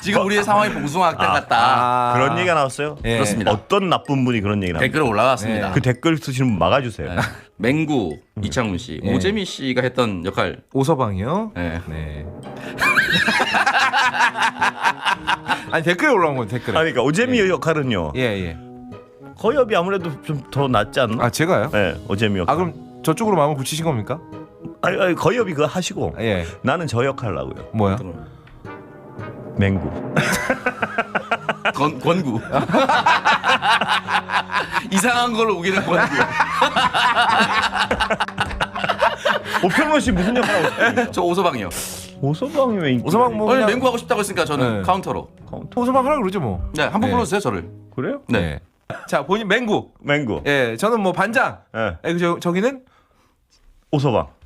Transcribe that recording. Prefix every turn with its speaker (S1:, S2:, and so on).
S1: 지금 우리의 상황이 봉숭아학당 같다.
S2: 그런 얘기가 나왔어요?
S3: 예.
S1: 그렇습니다.
S2: 어떤 나쁜 분이 그런 얘기 나왔어요?
S1: 댓글 올라왔습니다.
S2: 그 댓글 쓰시는 분 막아주세요.
S1: 네. 맹구 이창훈 씨,
S3: 예.
S1: 오재미 씨가 했던 역할.
S3: 오서방이요?
S1: 네.
S3: 네. 아니 댓글에 올라온 건 댓글에.
S2: 그러니까 오재미 역할은요.
S3: 예 예.
S2: 거엽이 아무래도 좀 더 낫지 않나?
S3: 아 제가요?
S2: 네, 오재미 역할.
S3: 아 그럼 저쪽으로 마음을 붙이신 겁니까?
S2: 아니, 거엽이 그거 하시고
S3: 예.
S2: 나는 저 역할 하고요.
S3: 뭐야?
S2: 맹구.
S1: 권구. 이상한 걸로 우기는 권구.
S2: 오평론 씨 무슨 역할 하고 싶어요?
S1: 저 오서방이요.
S2: 오서방이 왜 인기?
S3: 오서방 뭐
S1: 오늘
S3: 그냥
S1: 맹구 하고 싶다고 했으니까 저는
S3: 네.
S1: 카운터로.
S3: 오서방 하라 그러죠 뭐.
S1: 네, 한 번
S3: 네.
S1: 불러주세요 저를.
S2: 그래요?
S1: 네.
S3: 자 본인 맹구.
S2: 맹구.
S3: 예, 저는 뭐 반장.
S2: 예.
S3: 예, 저기는
S2: 오서방.